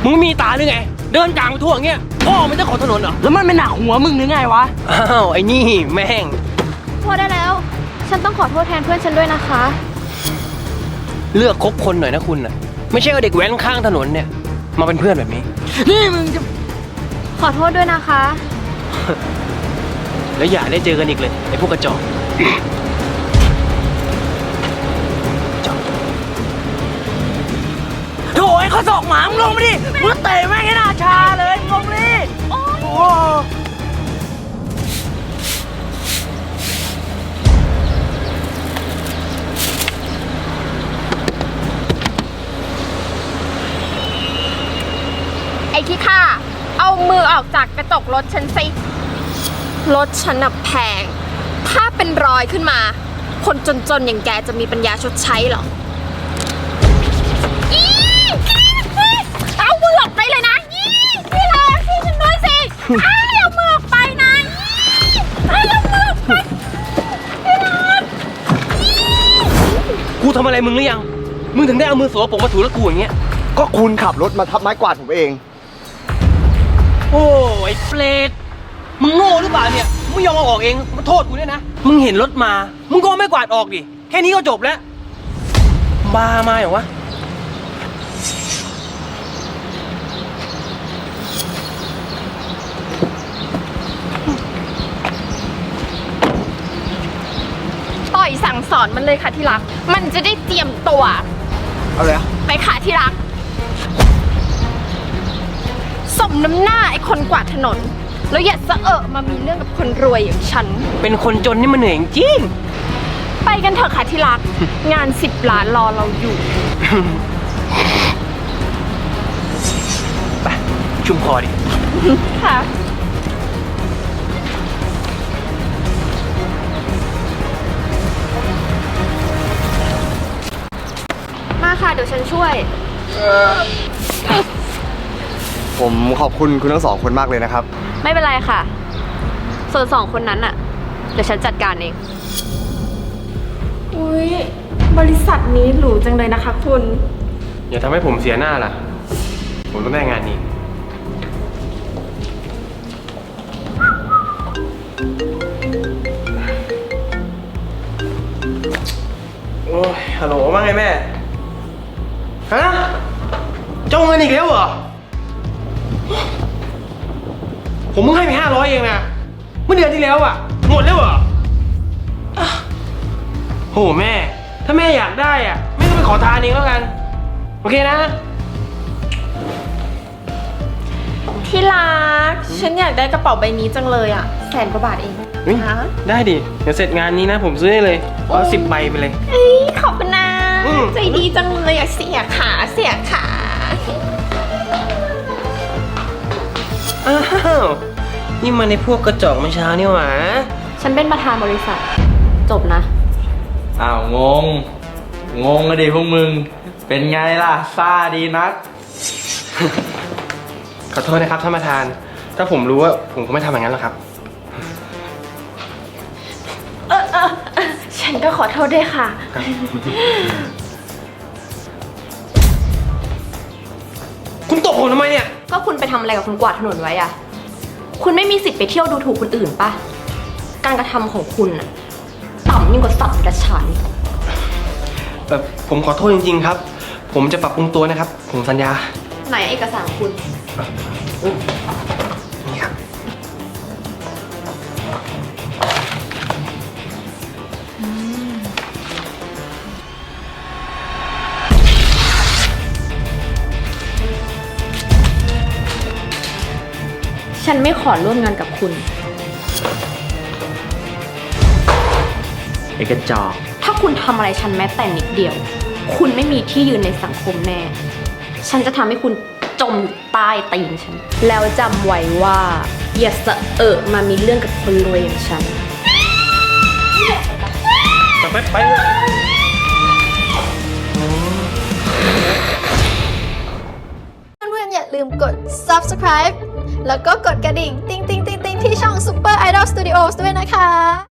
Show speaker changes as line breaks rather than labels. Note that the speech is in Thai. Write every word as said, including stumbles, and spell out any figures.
มึงมีตาหรือไงเดินกลางไปทั่วอย่างเงี้ยพ่อมันจะขอถนนเหรอแล้วมันไม่หนักหัวมึงหรือไงวะอ้าวไอ้นี่แม่ง
พอได้แล้วฉันต้องขอโทษแทนเพื่อนฉันด้วยนะคะ
เลือกคบคนหน่อยนะคุณน่ะไม่ใช่เอาเด็กแว้นข้างถนนเนี่ยมาเป็นเพื่อนแบบนี้นี่มึงจะ
ขอโทษด้วยนะคะ
แล้วอย่าได้เจอกันอีกเลยไอ้พวกกระจอกโถ่ไอ้ข้อศอกหมามึงลงมาดิมึงเตะแม่งให้หน้าชาเลยลงมาดิโอ้
ไอ้ขี้ข้าเอามือออกจากกระจกรถฉันสิรถฉันน่ะแพงถ้าเป็นรอยขึ้นมาคนจนๆอย่างแกจะมีปัญญาชดใช้หรอเอามือออกไปเลยนะพี่ลาพี่ฉันด้วยสิเอามือออกไปนะเอามือออกไปพี่ลา
กูทำอะไรมึงหรือยังมึงถึงได้เอามือสวมผมมาถูแล้วกูอย่างเงี้ย
ก็คุณขับรถมาทับไม้กวาดผมเอง
โอ้ไอ้เปรตมึงโง่หรือเปล่าเนี่ยมึงยอมเอาออกเองมาโทษกูเนี่ยนะมึงเห็นรถมามึงก็ไม่กวาดออกดิแค่นี้ก็จบแล้วบ้ามาเหรอวะ
ต่อยสั่งสอนมันเลยค่ะที่รักมันจะได้เตรียมตัว
เอาเลย
ไปค่ะที่รักสมน้ำหน้าไอ้คนกวาดถนนแล้วอย่าสะเอะมามีเรื่องกับคนรวยอย่างฉัน
เป็นคนจนนี่มันเหนื่อยจริง
ไปกันเถอะค่ะที่รัก งานสิบล้านรอเราอยู่
ไปชุ่มคอดิ
ค่ะมาค่ะเดี๋ยวฉันช่วย
ผมขอบคุณคุณทั้งสองคนมากเลยนะครับ
ไม่เป็นไรค่ะส่วนสองคนนั้นอะเดี๋ยวฉันจัดการเองอุ้ยบริษัทนี้หรูจังเลยนะคะคุณ
อย่าทำให้ผมเสียหน้าล่ะผมต้องได้งานนี้โอ้ยฮัลโหลว่าไงแม่ฮะเจ้าเงินอีกแล้วเหรอผมเพิ่งให้ไปห้าร้อยเองนะเมื่อเดือนที่แล้วอ่ะหมดแล้วเหรอโหแม่ถ้าแม่อยากได้อ่ะแม่ก็ไปขอทานเองแล้วกันโอเคนะ
ที่รักฉันอยากได้กระเป๋าใบนี้จังเลยอ่ะแสนกว่าบาทเอง
นะได้ดิเดี๋ยวเสร็จงานนี้นะผมซื้อให้เลยเอาสิบใบไปเลย
เอ้ยขอบคุณนะใจดีจังเลยอ่ะเสียขาเสียขา
อ้าวนี่มันในพวกกระจอกเมื่อเช้านี่หว่า
ฉันเป็นประธานบริษัทจบนะ
อ้าวงงงงอะดิพวกมึงเป็นไงล่ะซ่าดีนัก
ขอโทษนะครับท่านประธานถ้าผมรู้ว่าผมคงไม่ทำอย่างนั้นหรอกครับ
เออเออฉันก็ขอโทษด้วยค่ะ
คุณตบผมทำไมเนี่ย
ก็คุณไปทำอะไรกับคนกวาดถนนไว้อะคุณไม่มีสิทธิ์ไปเที่ยวดูถูกคนอื่นปะการกระทำของคุณอะต่ำยิ่งกว่าสัตว์กระชัน
เออผมขอโทษจริงๆครับผมจะปรับปรุงตัวนะครับผมสัญญา
ไหนเอกสารคุณ
นี่ครับ
ฉันไม่ขอร่วมงานกับคุณ
เอกจอก
ถ้าคุณทำอะไรฉันแม้แต่นิดเดียวคุณไม่มีที่ยืนในสังคมแน่ฉันจะทำให้คุณจมอยู่ใต้ตีนฉันแล้วจำไว้ว่าอย่าสะเอะมามีเรื่องกับคนรวยอย่างฉัน
ไปไปเลย
เพื่อนๆอย่าลืมกด ซับสไครบ์ แล้วก็กดกระดิ่งติ๊งติ๊งติ๊งติ๊งที่ช่อง Super Idol Studios ด้วยนะคะ